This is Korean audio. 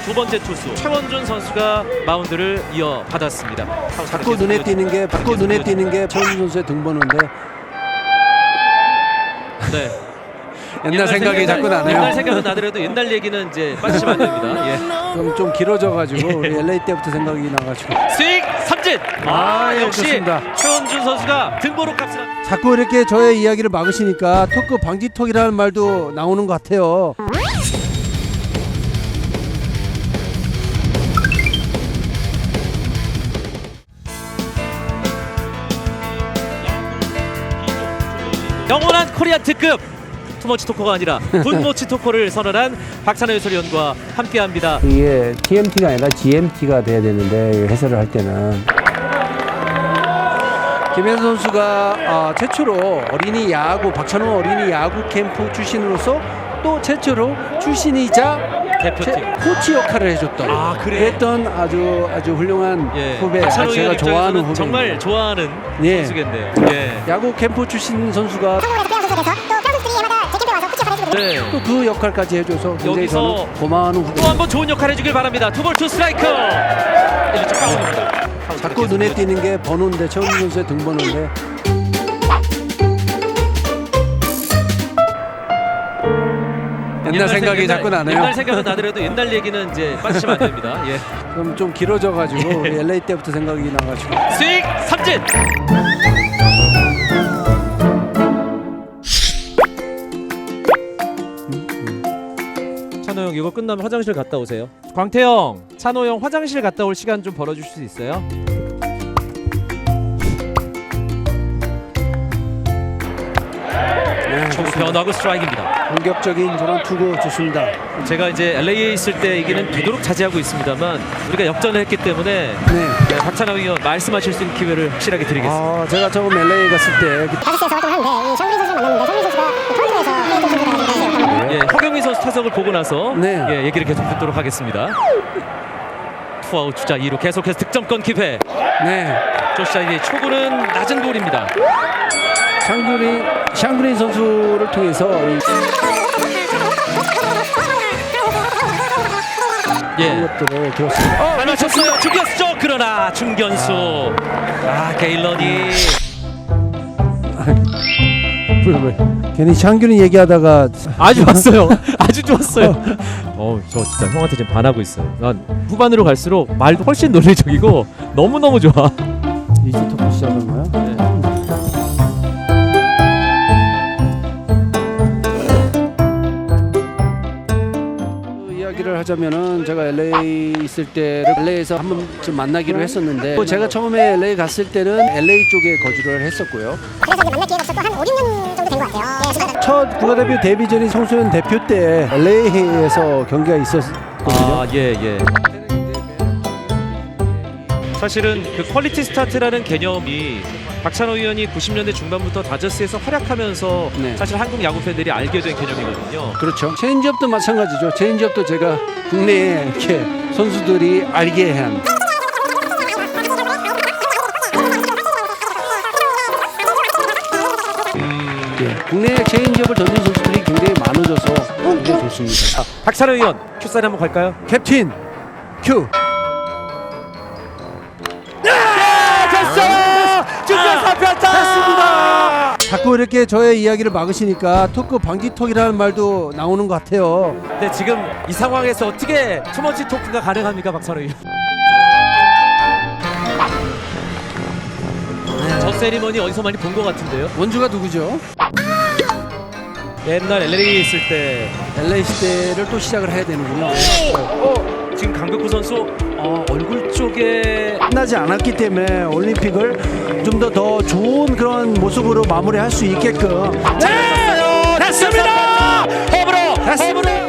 두 번째 투수 최원준 선수가 마운드를 이어받았습니다. 자꾸 눈에 띄는 게 최원준 선수의 등번호인데 네. 옛날 생각이 자꾸 나네요. 옛날 생각은 나더라도 옛날 얘기는 이제 빠지시면 안 됩니다. 예. 그럼 좀 길어져가지고 우리 LA 때부터 생각이 나가지고 스윙 삼진. 예, 역시 좋습니다. 최원준 선수가 등번호 값을 자꾸 이렇게 저의 이야기를 막으시니까 토크 방지턱이라는 말도 나오는 것 같아요. 영원한 코리안 특급 투머치 토커가 아니라 굿모치 토커를 선언한 박찬호 해설위원과 함께합니다. 이게 TMT가 아니라 GMT가 돼야 되는데 해설을 할 때는 김현 선수가 최초로 어린이 야구 박찬호 어린이 야구 캠프 출신으로서 또 최초로 출신이자 대표팀 코치 역할을 해줬던 그랬던 아주 훌륭한 후배, 박찬호 제가 좋아하는 후배, 정말 좋아하는 예. 선수인데요. 예. 야구 캠프 출신 선수가 네. 또 그 역할까지 해줘서 굉장히 여기서 저는 고마워하는 후배. 또 한 번 좋은 역할 해주길 바랍니다. 투볼 투 스트라이크. 자꾸 눈에 띄는 게 번호인데 최원준 선수의 등번호인데 옛날 생각이 자꾸 나네요. 옛날 생각은 나더라도 옛날 얘기는 이제 빠지시면 안 됩니다. 예. 그럼 좀 길어져가지고 우리 LA 때부터 생각이 나가지고 스윙 삼진. 찬호 형 이거 끝나면 화장실 갔다 오세요. 광태형, 찬호 형 화장실 갔다 올 시간 좀 벌어주실 수 있어요? 초구 변화구 스트라이크입니다. 공격적인 저런 투구 좋습니다. 제가 이제 LA에 있을 때 얘기는 되도록 자제하고 있습니다만 우리가 역전을 했기 때문에 박찬호 의원 말씀하실 수 있는 기회를 확실하게 드리겠습니다. 제가 처음 LA 갔을 때 5시에서 활동하는데 이 샹그리 선수를 만났는데 샹그리 선수가 토론토에서 페이드 선수가 나가는데 예, 허경민 선수 타석을 보고 나서 네. 예, 얘기를 계속 듣도록 하겠습니다. 투아웃 주자 2루 계속해서 득점권 기회. 조시아의 초구는 낮은 볼입니다. 샹그린 선수를 통해서 것들을 들었습니다. 잘 맞췄어요. 중견수죠. 그러나 중견수. 게일런이 괜히 샹그린 얘기하다가 아주 좋았어요. 아주 좋았어요. 저 진짜 형한테 지금 반하고 있어요. 난 후반으로 갈수록 말도 훨씬 논리적이고 너무너무 좋아. 이제 토크 시작한 거야? 이야기를 하자면은 제가 LA 있을 때 LA에서 한 번쯤 만나기로 했었는데 제가 처음에 LA 갔을 때는 LA 쪽에 거주를 했었고요. 그래서 이제 만날 기회가 없었고 한 5, 6년 정도 된 것 같아요. 첫 국가대표 데뷔전이 청소년 대표 때 LA에서 경기가 있었거든요. 예. 사실은 그 퀄리티 스타트라는 개념이 박찬호 의원이 90년대 중반부터 다저스에서 활약하면서 사실 한국 야구 팬들이 알게 된 개념이거든요. 그렇죠. 체인지업도 마찬가지죠. 체인지업도 제가 국내에 이렇게 선수들이 알게 한. 국내에 체인지업을 던진 선수들이 굉장히 많아져서 굉장히 좋습니다. 박찬호 의원 큐사인 한번 갈까요? 캡틴 큐. 됐습니다. 자꾸 이렇게 저의 이야기를 막으시니까 토크 방지턱이라는 말도 나오는 것 같아요. 근데 지금 이 상황에서 어떻게 투머치 토크가 가능합니까, 박찬호 의원? 저 세리머니 어디서 많이 본 것 같은데요? 원주가 누구죠? 옛날 LA에 있을 때 LA 시대를 또 시작을 해야 되는군요. 지금 강백호 선수 얼굴 쪽에 끝나지 않았기 때문에 올림픽을 좀 더 좋은 그런 모습으로 마무리할 수 있게끔. 됐습니다. 홈으로